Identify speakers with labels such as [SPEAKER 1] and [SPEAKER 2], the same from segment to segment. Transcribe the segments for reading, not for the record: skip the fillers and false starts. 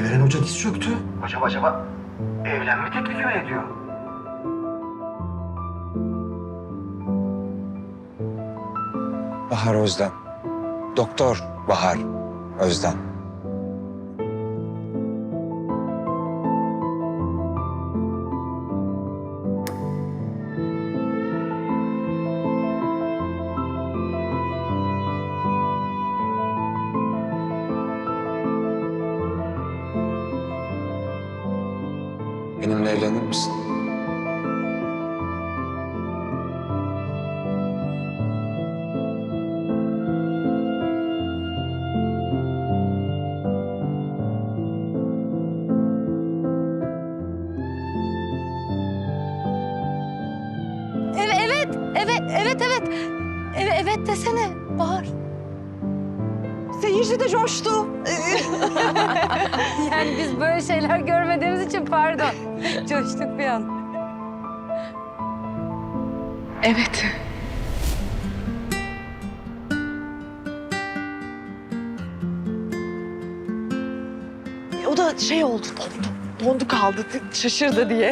[SPEAKER 1] Eren Hoca diz çöktü. Acaba evlenme teklifi mi ediyor?
[SPEAKER 2] Bahar Özden. Doktor Bahar Özden. Benimle evlenir misin?
[SPEAKER 3] Evet desene Bahar.
[SPEAKER 4] Seyirci de coştu.
[SPEAKER 3] Yani biz böyle şeyler görmediğimiz için pardon. Coştuk bir an.
[SPEAKER 4] Evet. O da şey oldu, dondu kaldı, şaşırdı diye.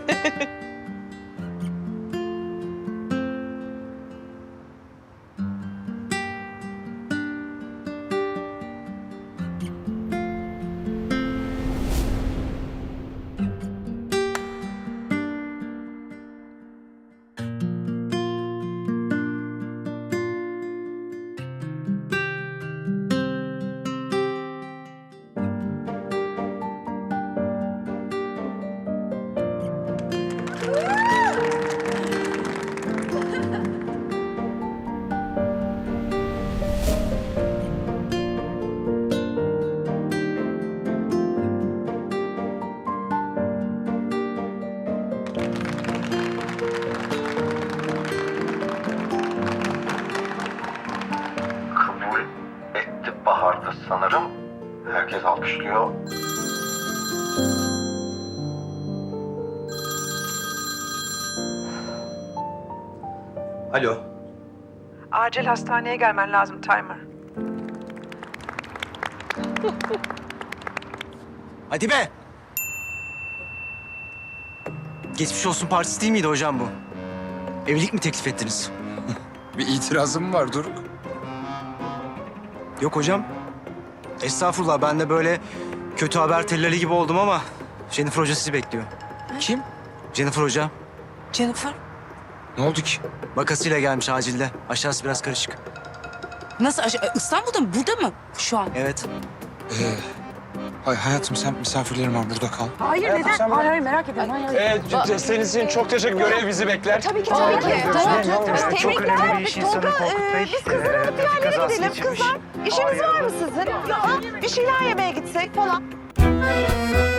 [SPEAKER 1] Kabul etti Bahar'da sanırım. Herkes alkışlıyor. Alo.
[SPEAKER 5] Acil hastaneye gelmen lazım Timer.
[SPEAKER 6] Hadi be! Geçmiş olsun partisi değil miydi hocam bu? Evlilik mi teklif ettiniz?
[SPEAKER 2] Bir itirazım var Doruk.
[SPEAKER 6] Yok hocam. Estağfurullah, ben de böyle kötü haber tellali gibi oldum ama Jennifer Hoca sizi bekliyor.
[SPEAKER 2] Kim?
[SPEAKER 6] Jennifer Hoca
[SPEAKER 4] Jennifer,
[SPEAKER 2] Ne oldu ki?
[SPEAKER 6] vakasıyla gelmiş acilde. Aşağısı biraz karışık.
[SPEAKER 4] nasıl? İstanbul'da mı? Burada mı şu an?
[SPEAKER 6] Evet.
[SPEAKER 2] Hayatım sen misafirlerim var, burada kal.
[SPEAKER 4] Hayır, neden? Hayır, merak ediyorum. Hayır.
[SPEAKER 7] Senin için çok teşekkür ederim. Görev bizi bekler.
[SPEAKER 4] Tabii ki. Tamam.
[SPEAKER 8] Çok önemli bir iş insanı Korkut Bey.
[SPEAKER 4] Biz kızları alıp bir yerlere gidelim. Kızlar, işiniz var mı sizin? Ya, bir şeyler yemeye gitsek falan.